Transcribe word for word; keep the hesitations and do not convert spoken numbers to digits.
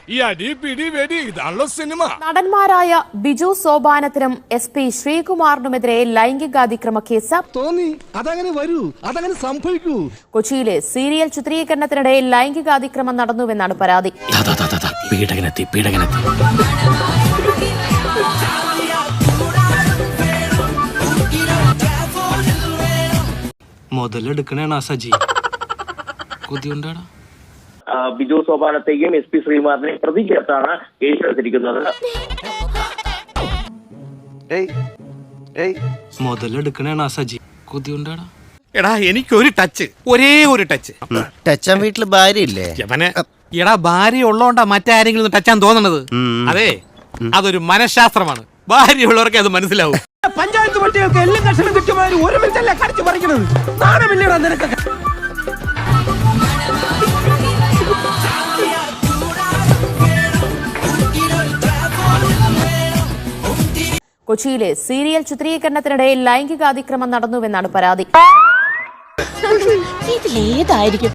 ഈ അടി പിടി വെടി ഇതാണല്ലോ സിനിമ. നടന്മാരായ ബിജു സോപാനത്തിനും എസ് പി ശ്രീകുമാറിനുമെതിരെ ലൈംഗികാതിക്രമ കേസ് തോന്നി. അതങ്ങനെ വരൂ, അതങ്ങനെ സംഭവിക്കൂ. കൊച്ചിയിലെ സീരിയൽ ചിത്രീകരണത്തിനിടെ ലൈംഗികാതിക്രമം നടന്നുവെന്നാണ് പരാതി. പീഡകനെത്തി പീഡകനെത്തി മുതലെടുക്കണേണ സജി കൊതിയുണ്ടാടാ. ബിജു സോപാനത്തെയും എസ് പി ശ്രീകുമാറിനെയും പ്രതി ചേർത്താണ് കേസെടുത്തിരിക്കുന്നത്. മുതലെടുക്കണേണ സജി കൊതിയുണ്ടാടാ. എടാ എനിക്കൊരു ടച്ച്, ഒരേ ഒരു ടച്ച്. ടച്ചാൻ വീട്ടില് ഭാര്യ ഇല്ലേ? എടാ ഭാര്യ ഉള്ളോണ്ടാ മറ്റാരെങ്കിലും ടച്ചാൻ തോന്നണത്. അതെ, അതൊരു മനഃശാസ്ത്രമാണ്. ഭാര്യ ഉള്ളവർക്ക് അത് മനസ്സിലാവും. പഞ്ചായത്ത് പട്ടികൾക്ക് എല്ലാം കഷണം കിട്ടുമാതിരി ഒരു മിനിറ്റല്ലേ കടിച്ചു പറിക്കണത്? നാണമില്ലടാ നിനക്ക്? കൊച്ചിയിലെ സീരിയൽ ചിത്രീകരണത്തിനിടെ ലൈംഗികാതിക്രമം നടന്നുവെന്നാണ് പരാതി. ഇതിലേതായിരിക്കും